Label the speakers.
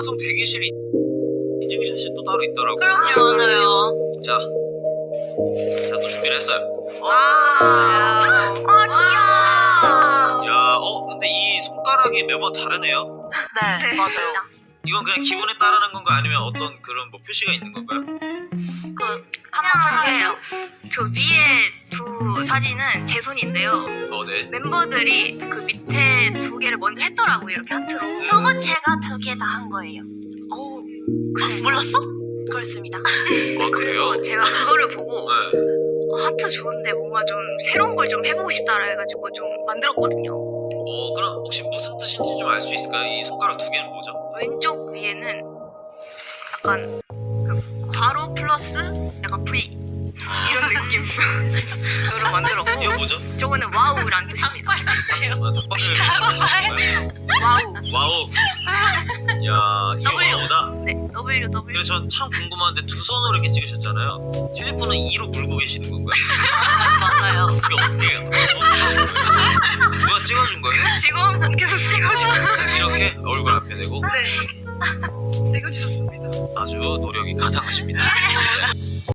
Speaker 1: 방송 대기실 인증샷이 또 따로 있더라고요.
Speaker 2: 그럼요, 맞아요.
Speaker 1: 자, 또 준비를 했어요.
Speaker 2: 와, 귀여워.
Speaker 1: 야, 근데 이 손가락이 매번 다르네요.
Speaker 2: 네, 맞아요.
Speaker 1: 이건 그냥 기분에 따르는 건가 아니면 어떤 그런 뭐 표시가 있는 건가요?
Speaker 2: 한번 설명해요.
Speaker 3: 저 위에 두 사진은 제 손인데요.
Speaker 1: 네.
Speaker 3: 멤버들이 그 밑에 두 개를 먼저 했더라고요. 이렇게 하트로.
Speaker 2: 저거 제가 두 개 다 한 거예요. 몰랐어?
Speaker 3: 그렇습니다.
Speaker 1: 그래요?
Speaker 3: 그래서 제가 그거를 보고
Speaker 1: 네.
Speaker 3: 하트 좋은데 뭔가 좀 새로운 걸 좀 해보고 싶다라 해가지고 좀 만들었거든요.
Speaker 1: 그럼 혹시 무슨 뜻인지 좀 알 수 있을까요? 이 손가락 두 개는 뭐죠?
Speaker 3: 왼쪽 위에는 약간 그 괄호 플러스 약간 V 이런 느낌으로 만들었고,
Speaker 1: 이거 뭐죠?
Speaker 3: 저거는 와우란 뜻입니다.
Speaker 1: 닭발을
Speaker 3: 와우.
Speaker 1: 와우. 야, 이거
Speaker 3: W.
Speaker 1: 와우다.
Speaker 3: 네, W.
Speaker 1: 그래서 전 참 궁금한데 두 손으로 이렇게 찍으셨잖아요. 휴대폰은 2로 물고 계시는 건가요?
Speaker 2: 맞아요.
Speaker 1: 그게 어떻게 해요? 누가 찍어준 거예요?
Speaker 3: 직원분께서 찍어주셨어요.
Speaker 1: 이렇게 얼굴 앞에 대고
Speaker 3: 네, 찍어주셨습니다.
Speaker 1: 아주 노력이 가상하십니다.